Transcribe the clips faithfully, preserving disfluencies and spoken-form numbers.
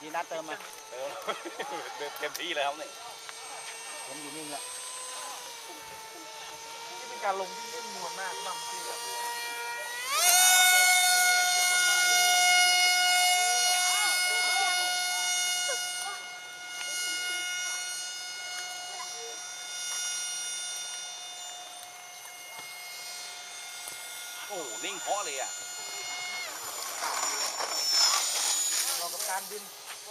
ทีนัดเติมมาเติมเต็มที่แล้วเนี่ยผมอยู่นิ่งละนี่เป็นการลงที่นิ่มนวลมากบ้างที่แบบโอ้นิ่งเพาะเลยอ่ะเรากับการบิน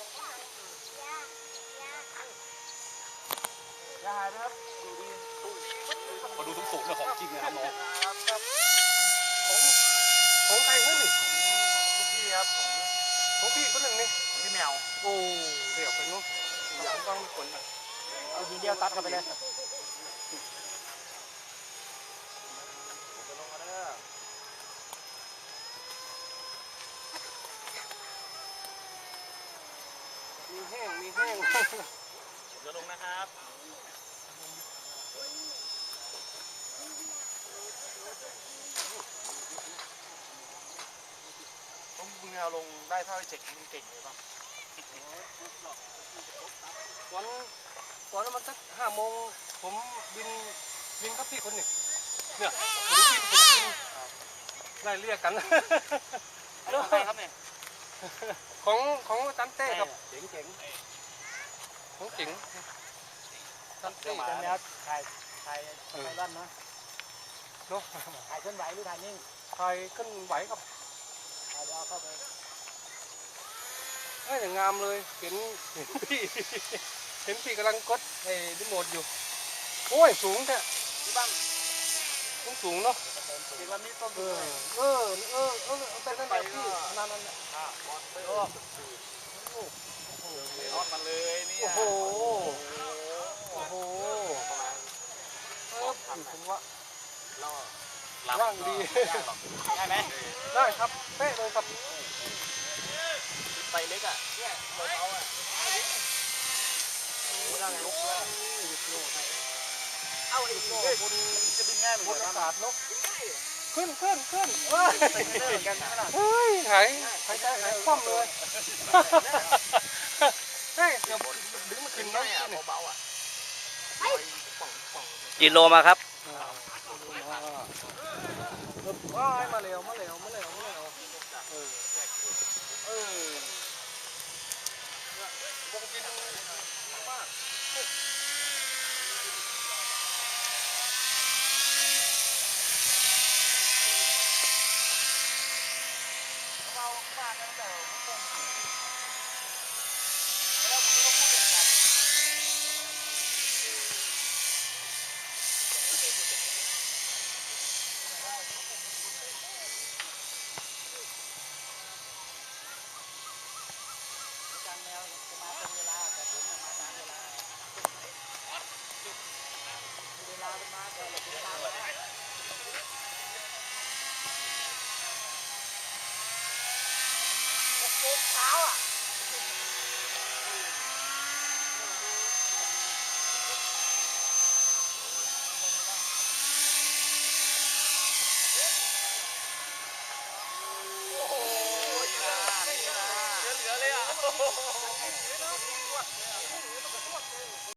อย่าหายนะครับดูดีพอดูสูงๆเนี่ยของจริงนะครับน้องของของใครเพื่อนนี่ลูกพี่ครับของของพี่คนหนึ่งนี่ของพี่แมวโอ้เดี๋ยวไปนู้นผมต้องมีคนอ่ะเอาทีเดียวตัดเข้าไปเลยมีแห้งมีแห้งจะลงนะครับต้องมึงเอาลงได้เท่าไอ้เจ๋งมึงเก่งเลยป่ะวันวันนั้นมันสักห้าโมงผมบินบินกับพี่คนหนึ่งเนี่ยผมบินผมบินไล่เรียกกันแล้วใครครับเนี่ยของของอาจารย์เต้ครับเจ๋งเจ๋งของเจ๋งอาจารย์เต้เป็นแนวถ่ายถ่ายถ่ายด้านนะเนาะถ่ายเคลื่อนไหวหรือถ่ายนิ่งถ่ายขึ้นไหวครับเอาเดี๋ยวเข้าไปเอ้ยอย่างงามเลยเห็นเห็นพี่เห็นพี่กำลังกดไอ้รีโมทอยู่โอ้ยสูงแท้ที่บ้านสูงสูงเนาะเห็นวันนี้ต้นเออเออเออเออเป็นนั่นแหละพี่นั่นนั่นแหละโอ้โหรอดมาเลยนี่โอ้โหโอ้โหเออผมว่าร่างดีได้ไหมได้ครับเป๊ะเลยครับไปเล็กอ่ะเนี่ยเบอร์เขาอ่ะร่างลุกด้วยเอาไอ้โง่คุณจะบินง่ายเหมือนกันศาสตร์นกขึ้นขึ้นขึ้นเฮ้ยกันเฮ้ยหายหายใจหายคว่ำเลยเฮ้ยเดี๋ยวดึงมาขึ้นนะเบาๆอ่ะกิโลมาครับว้ายมาเร็วมาเร็วมาเร็วมาเร็วเออเออวงบินมากเรามากตั้งแต่ผมแล้วผมก็พูดอย่างนั้นการแนวจะมาเป็นเวลาแต่ผมมาตามเวลาเวลาเป็นมาแต่เราเป็นตามเช้าอ่ะ